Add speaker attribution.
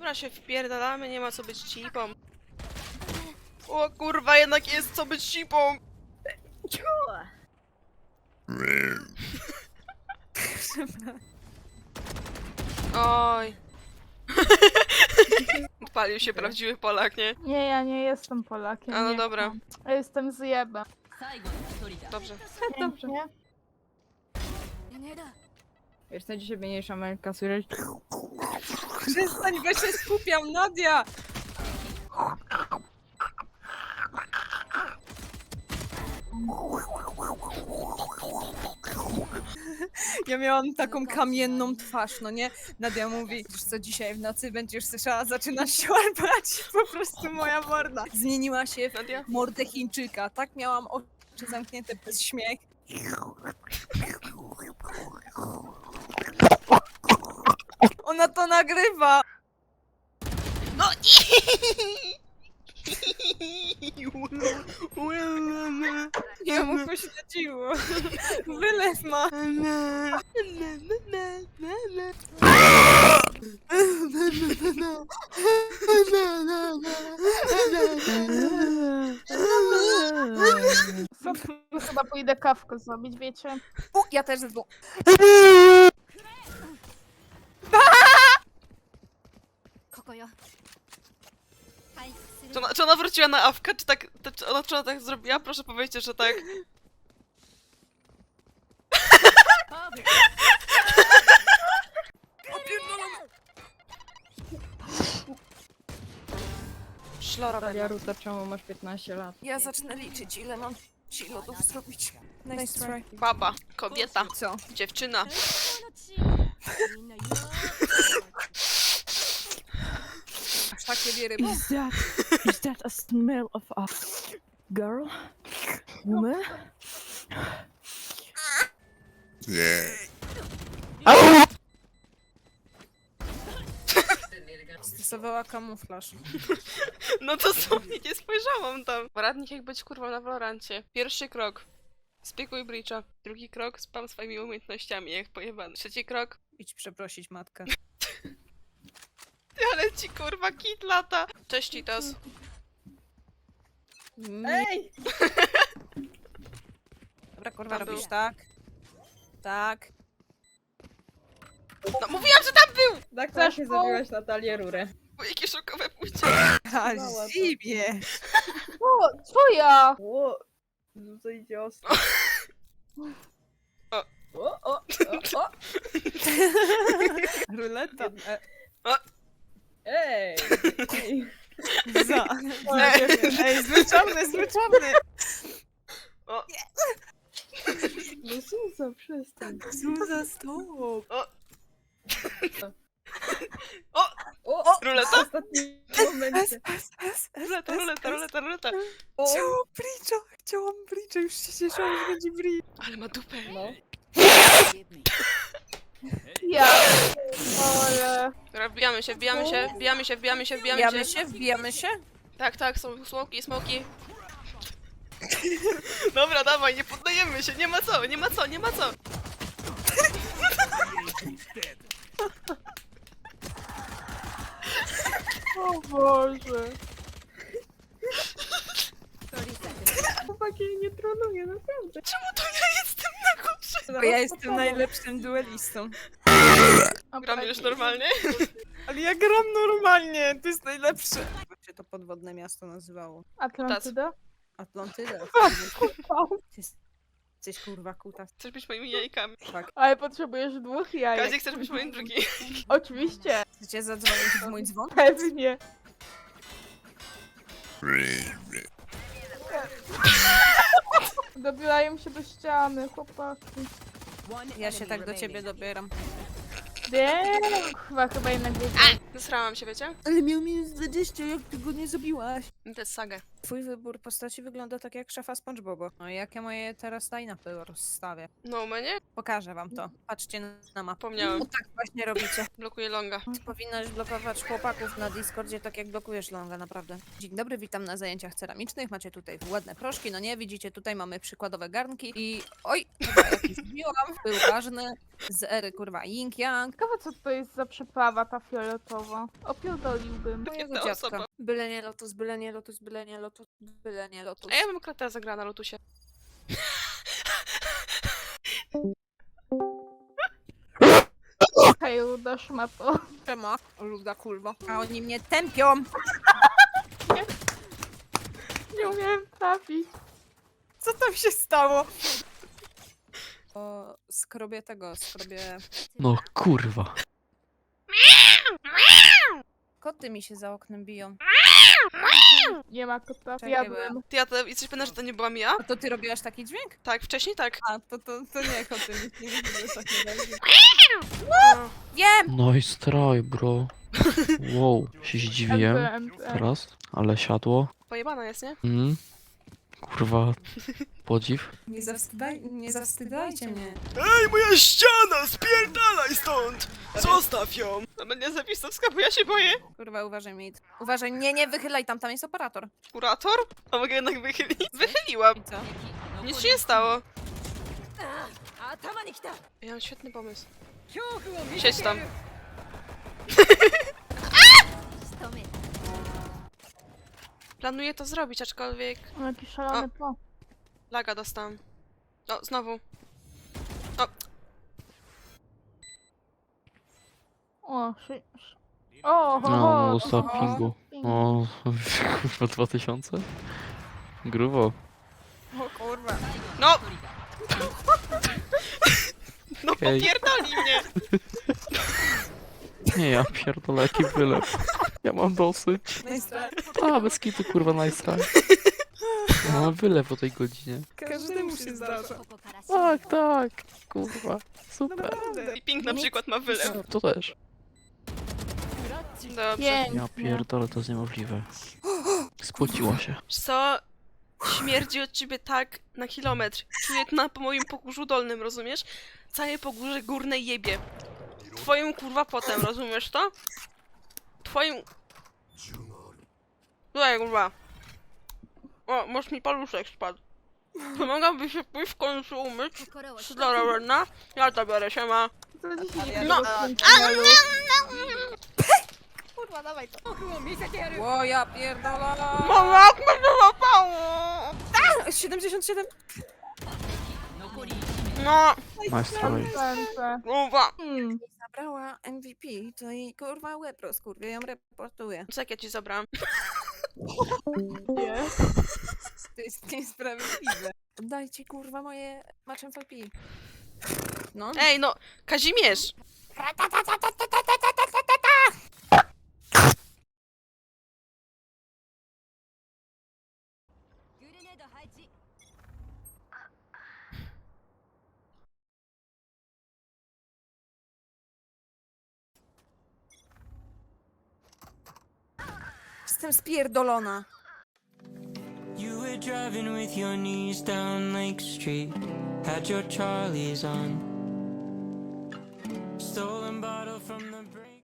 Speaker 1: Dobra, się wpierdalamy, nie ma co być cipą. O kurwa, jednak jest co być cipą! Oj. Odpalił się prawdziwy Polak, nie?
Speaker 2: Nie, ja nie jestem Polakiem.
Speaker 1: A no
Speaker 2: nie
Speaker 1: dobra.
Speaker 2: kłam. Ja jestem zjebem.
Speaker 1: Dobrze.
Speaker 2: Dobrze. Nie?
Speaker 3: Wiesz, na dzisiaj mniejsza Amelka słyszeć.
Speaker 4: Przestań, bo się skupiam, Nadia! Ja miałam taką kamienną twarz, no nie? Nadia mówi, wiesz co, dzisiaj w nocy będziesz słyszała, zaczynasz się łapać. Po prostu moja morda zmieniła się
Speaker 1: Nadia?
Speaker 4: w mordę Chińczyka. Tak miałam oczy zamknięte bez śmiech. Ona to nagrywa!
Speaker 1: No
Speaker 4: Ja mu pośledziło. Wylew ma.
Speaker 2: Chyba pójdę kawkę zrobić, wiecie?
Speaker 4: Ja też ze dwóch.
Speaker 1: Czy ona wróciła na awkę? Czy tak, czy ona tak zrobiła? Proszę powiedzcie, że tak. Szlora
Speaker 3: Talia Ruta, czemu masz 15 lat?
Speaker 4: Ja zacznę liczyć, ile mam ci lodów zrobić. Nice try.
Speaker 1: Baba, kobieta,
Speaker 4: Co?
Speaker 1: dziewczyna.
Speaker 4: Aż takie wiery.
Speaker 3: Is that a smell of a girl? Woman?
Speaker 4: Stosowała kamuflaż.
Speaker 1: No to sobie nie spojrzałam tam. Poradnik jak być kurwą na Valorancie. Pierwszy krok. Spiekuj Breacha. Drugi krok. Spam swoimi umiejętnościami jak pojebany. Trzeci krok.
Speaker 4: Idź przeprosić matkę.
Speaker 1: Ale ci kurwa kit lata. Cześć Citos.
Speaker 4: Ej! Dobra, kurwa,
Speaker 1: Tam
Speaker 4: robisz
Speaker 1: był.
Speaker 4: tak. Tak.
Speaker 1: No mówiłam, że tam był!
Speaker 3: Tak
Speaker 2: Chcesz
Speaker 3: właśnie
Speaker 2: po-
Speaker 3: zabiłaś Natalię Rurę.
Speaker 1: Bo jakie szokowe pójście.
Speaker 4: A zimie!
Speaker 2: O, co ja?
Speaker 3: Ło, no to idzie ostro.
Speaker 1: O.
Speaker 3: O.
Speaker 4: Ruleta.
Speaker 3: Ej!
Speaker 4: Za. Ej, zwyczajny, zwyczajny.
Speaker 3: No Suza, przestań.
Speaker 4: Zuza, stop.
Speaker 3: O!
Speaker 1: Ruleta?
Speaker 3: W ostatnim momencie.
Speaker 1: Ruleta.
Speaker 3: O!
Speaker 4: Chciałam bridge'a, już się cieszyłam, że będzie bridge.
Speaker 1: Ale ma dupę.
Speaker 3: No.
Speaker 2: Ja. Ale...
Speaker 1: Dobra, wbijamy się.
Speaker 4: Wbijamy się?
Speaker 1: Tak, są smoki. Dobra, dawaj, nie poddajemy się, nie ma co.
Speaker 2: O Boże.
Speaker 3: Chłopaki, nie tronuję, naprawdę.
Speaker 1: Czemu to ja jestem na górze?
Speaker 4: Bo ja jestem najlepszym duelistą.
Speaker 1: Gram już normalnie?
Speaker 4: Ale ja gram normalnie, to jest najlepsze. Jak się to podwodne miasto nazywało?
Speaker 2: Atlantyda?
Speaker 4: Atlantyda. Ty jesteś kurwa kuta.
Speaker 1: Chcesz być moimi jajkami?
Speaker 4: Tak.
Speaker 2: Ale potrzebujesz 2 jajek.
Speaker 1: Kazik, chcesz być moim drugim?
Speaker 2: Oczywiście.
Speaker 4: Chcecie zadzwonić w mój dzwon?
Speaker 2: Pewnie. Dobierają się do ściany, chłopaki.
Speaker 4: Ja się tak do ciebie dobieram.
Speaker 2: Wiem, chyba jednak nie.
Speaker 1: Zesrałam się, wiecie?
Speaker 4: Ale miał minus 20, jak ty go nie zabiłaś?
Speaker 1: To jest sagę.
Speaker 4: Twój wybór postaci wygląda tak jak szefa SpongeBoba. No i jakie moje teraz line-upy rozstawię?
Speaker 1: No, u mnie?
Speaker 4: Pokażę wam to. Patrzcie na mapę.
Speaker 1: Pomniałem.
Speaker 4: No tak właśnie robicie.
Speaker 1: Blokuję longa.
Speaker 4: Powinnaś blokować chłopaków na Discordzie tak jak blokujesz longa, naprawdę. Dzień dobry, witam na zajęciach ceramicznych. Macie tutaj ładne proszki, no nie? Widzicie, tutaj mamy przykładowe garnki i... Oj! Chyba jakiś zbiłam. Był ważny. Z ery, kurwa, Ying Yang.
Speaker 2: Ciekawe co to jest za przyprawa ta fioletowa. Opierdoliłbym.
Speaker 4: Mojego
Speaker 1: Jedna
Speaker 4: dziadka.
Speaker 1: osoba.
Speaker 4: Byle nie lotus, byle nie lotus, byle nie lotus, byle nie lotus.
Speaker 1: A ja bym kratę zagrała na lotusie.
Speaker 2: Hej, ruda szmato.
Speaker 4: Siema, luda kurwa. A oni mnie tępią!
Speaker 2: Nie umiem trafić.
Speaker 4: Co tam się stało? Skrobię.
Speaker 5: No kurwa.
Speaker 4: Koty mi się za oknem biją.
Speaker 2: Nie ma kota.
Speaker 4: Czekaj,
Speaker 2: Jadłem.
Speaker 1: Ty, ja to, jesteś pewna, że to nie była Mia?
Speaker 4: A to ty robiłaś taki dźwięk?
Speaker 1: Tak, wcześniej tak.
Speaker 4: A, to nie koty mi nie mówiły takie razy.
Speaker 1: No.
Speaker 4: Wiem!
Speaker 5: Nice try, bro. Wow, się zdziwiłem
Speaker 2: MPM.
Speaker 5: teraz, ale siadło.
Speaker 1: Pojebana jest, nie?
Speaker 5: Kurwa, podziw.
Speaker 4: Nie zawstydajcie mnie.
Speaker 1: Ej, moja ściana! Spierdalaj stąd! Zostaw ją! No będzie zapisowska, bo ja się boję.
Speaker 4: Kurwa, uważaj, mate. Uważaj, nie wychylaj tam jest operator.
Speaker 1: Kurator? A mogę jednak wychylić? Wychyliłam.
Speaker 4: I co?
Speaker 1: Nic się nie stało. Ja mam świetny pomysł. Siedź tam. Planuję to zrobić, aczkolwiek...
Speaker 2: No, jakiś szalony po.
Speaker 1: Laga dostałam. O, znowu. O,
Speaker 2: O, o, ho,
Speaker 5: No,
Speaker 2: ho,
Speaker 5: dostał
Speaker 2: ho.
Speaker 5: pingu. O, kurwa 2000? Grubo.
Speaker 4: O kurwa.
Speaker 1: no! No
Speaker 5: Okej.
Speaker 1: popierdoli mnie!
Speaker 5: Nie, ja pierdolę, jaki wylew. Ja mam dosyć. A, bez kitu, kurwa, nice try. Ja mam wylew o tej godzinie.
Speaker 4: Każdemu się zdarza.
Speaker 5: Tak, kurwa. Super.
Speaker 1: I Pink na przykład ma wylew.
Speaker 5: To też.
Speaker 1: Dobrze.
Speaker 5: Ja
Speaker 2: Pięknie.
Speaker 5: pierdolę, to jest niemożliwe. Spociła się.
Speaker 1: Wiesz co? Śmierdzi od ciebie tak na kilometr. Czuję to na po moim pogórzu dolnym, rozumiesz? Całe pogórze górne jebie. Twoim kurwa potem, rozumiesz to? Twoim... Tutaj kurwa. O, może mi paluszek spadł. Mogłaby się pójść w końcu umyć? Dobra, ładna. Ja to biorę, siema.
Speaker 2: To dzisiaj
Speaker 1: No.
Speaker 4: Kurwa, dawaj to. O, ja pierdolę.
Speaker 1: Mama, jak mnie to zapało!
Speaker 4: 77.
Speaker 1: No,
Speaker 5: Nice try.
Speaker 1: kurwa.
Speaker 4: Zabrała MVP, to jej kurwa łeb rozkurwie, ją reportuję.
Speaker 1: Co jak ja ci zabrałam?
Speaker 2: Nie.
Speaker 4: To jest niesprawiedliwe. Dajcie kurwa moje match MVP. No.
Speaker 1: Ej, no, Kazimierz!
Speaker 4: Jestem spierdolona.
Speaker 6: You were driving with your knees down Lake Street, had your Charlies on. Stolen bottle from the